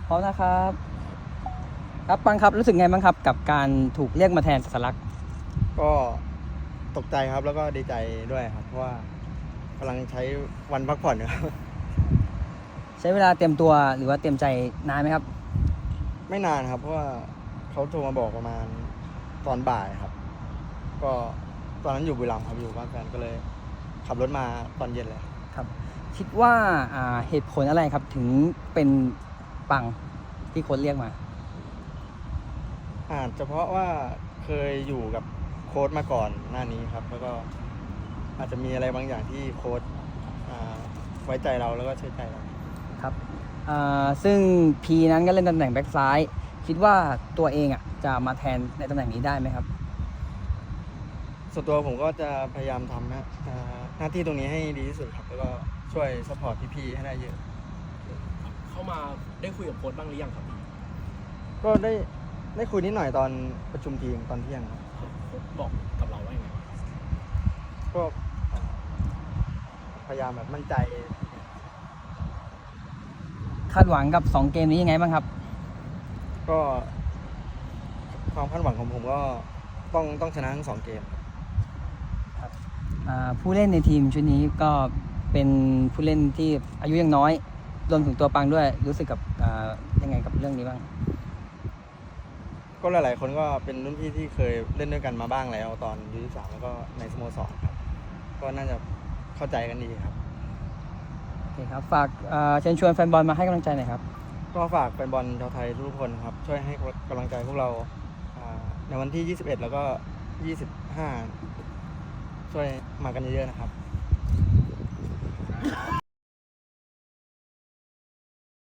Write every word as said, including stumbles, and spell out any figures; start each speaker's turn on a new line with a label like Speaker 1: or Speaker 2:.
Speaker 1: พร้อมนะครับครับปังครับรู้สึกไงบ้างครับกับการถูกเรียกมาแทนสลัก
Speaker 2: ก็ตกใจครับแล้วก็ดีใจด้วยครับเพราะว่ากำลังใช้วันพักผ่อนอยู่ครับ
Speaker 1: ใช้เวลาเตรียมตัวหรือว่าเตรียมใจนานไหมครับ
Speaker 2: ไม่นานครับเพราะว่าเขาโทรมาบอกประมาณตอนบ่ายครับ ก็ตอนนั้นอยู่บุรีรัมย์ครับอยู่บ้านแฟนก็เลยขับรถมาตอนเย็นเลย
Speaker 1: ครับคิดว่าอ่าเหตุผลอะไรครับถึงเป็นปังที่โค้ชเรียกมา
Speaker 2: อาจจะเพราะว่าเคยอยู่กับโค้ชมาก่อนหน้านี้ครับ แล้วก็อาจจะมีอะไรบางอย่างที่โค้ชอ่าไว้ใจเราแล้วก็เชื่อใจเรา
Speaker 1: ครับอ่าซึ่งพีนั้นก็เล่นตำแหน่งแบ็กซ้ายคิดว่าตัวเองอ่ะจะมาแทนในตำแหน่งนี้ได้ไหมครับ
Speaker 2: ส่วนตัวผมก็จะพยายามทำนะอ่าหน้าที่ตรงนี้ให้ดีที่สุดครับแล้วก็ช่วยซัพพอร์ตพี่ๆให้ได้เยอะ
Speaker 3: เข้ามาได้คุยกับโค้ชบ้างหรือยังครับพี่
Speaker 2: ก็ได้ได้คุยนิดหน่อยตอนประชุมทีมตอนเที่ยงครับ
Speaker 3: โค้ชบอกกับเราว่ายังไงบ้าง
Speaker 2: ก็อ่าพยายามแบบมั่นใจ
Speaker 1: คาดหวังกับสองเกมนี้ยังไงบ้างครับ
Speaker 2: ก็ความคาดหวังของผมก็ต้องต้องชนะทั้งสองเกม
Speaker 1: อ่าผู้เล่นในทีมชุดนี้ก็เป็นผู้เล่นที่อายุยังน้อยรวมถึงตัวปังด้วยรู้สึกกับอ่ายังไงกับเรื่องนี้บ้าง
Speaker 2: ก็หลายๆคนก็เป็นรุ่นพี่ที่เคยเล่นด้วยกันมาบ้างแล้วตอนยูยี่สามแล้วก็ในสโมสรครับก็น่าจะเข้าใจกันดีครับ
Speaker 1: โอเคครับฝากอ่าเชิญชวนแฟนบอลมาให้กำลังใจหน่อยครับ
Speaker 2: ก็ฝากแฟนบอลชาวไทยทุกคนครับช่วยให้กำลังใจพวกเราอ่าในวันที่ยี่สิบเอ็ดแล้วก็ยี่สิบห้าช่วยมากันเยอะๆนะครับ